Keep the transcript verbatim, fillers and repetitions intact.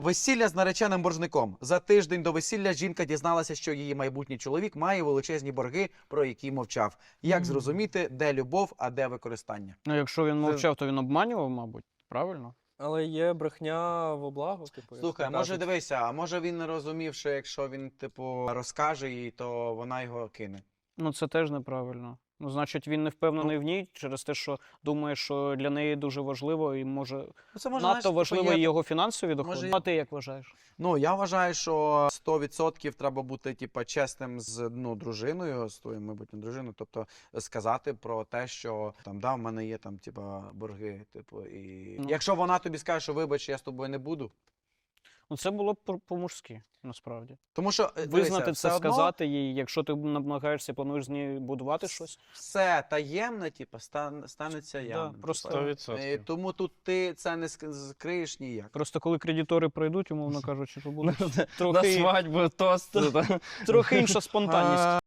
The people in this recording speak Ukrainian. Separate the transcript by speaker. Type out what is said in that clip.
Speaker 1: Весілля з нареченим боржником. За тиждень до весілля жінка дізналася, що її майбутній чоловік має величезні борги, про які мовчав. Як зрозуміти, де любов, а де використання?
Speaker 2: Ну, якщо він мовчав, то він обманював, мабуть, правильно?
Speaker 3: Але є брехня во благо, типу. як
Speaker 1: Слухай,
Speaker 3: то
Speaker 1: може
Speaker 3: кажуть.
Speaker 1: дивися, а може він не розумів, що якщо він, типу, розкаже їй, то вона його кине.
Speaker 2: Ну, це теж неправильно. Ну, значить, він не впевнений в ній через те, що думає, що для неї дуже важливо і може,
Speaker 1: Ну, це може,
Speaker 2: надто
Speaker 1: знаєш,
Speaker 2: важливо
Speaker 1: типу,
Speaker 2: і
Speaker 1: є-
Speaker 2: його фінансові доходи.
Speaker 1: Може,
Speaker 2: А ти як вважаєш?
Speaker 1: Ну, я вважаю, що сто відсотків треба бути, типу, чесним з, ну, дружиною, з твоєю майбутньою дружиною, тобто сказати про те, що там, да, в мене є там, типу, борги, типу, і
Speaker 2: Ну.
Speaker 1: якщо вона тобі скаже, що вибач, я з тобою не буду,
Speaker 2: Ну, це було б по- по-мужськи, насправді.
Speaker 1: тому що, е,
Speaker 2: Визнати
Speaker 1: дивися,
Speaker 2: це,
Speaker 1: все одно
Speaker 2: сказати їй, якщо ти намагаєшся, плануєш з нею будувати щось.
Speaker 1: все таємне, типу, стан, станеться явним.
Speaker 2: просто-
Speaker 1: типу.
Speaker 4: Сто
Speaker 1: І
Speaker 4: відсотків.
Speaker 1: тому тут ти це не ск- скриєш ніяк.
Speaker 2: Просто коли кредитори прийдуть, умовно кажучи, то буде
Speaker 4: На
Speaker 2: трохи,
Speaker 4: свадьбу, тост.
Speaker 2: трохи інша спонтанність.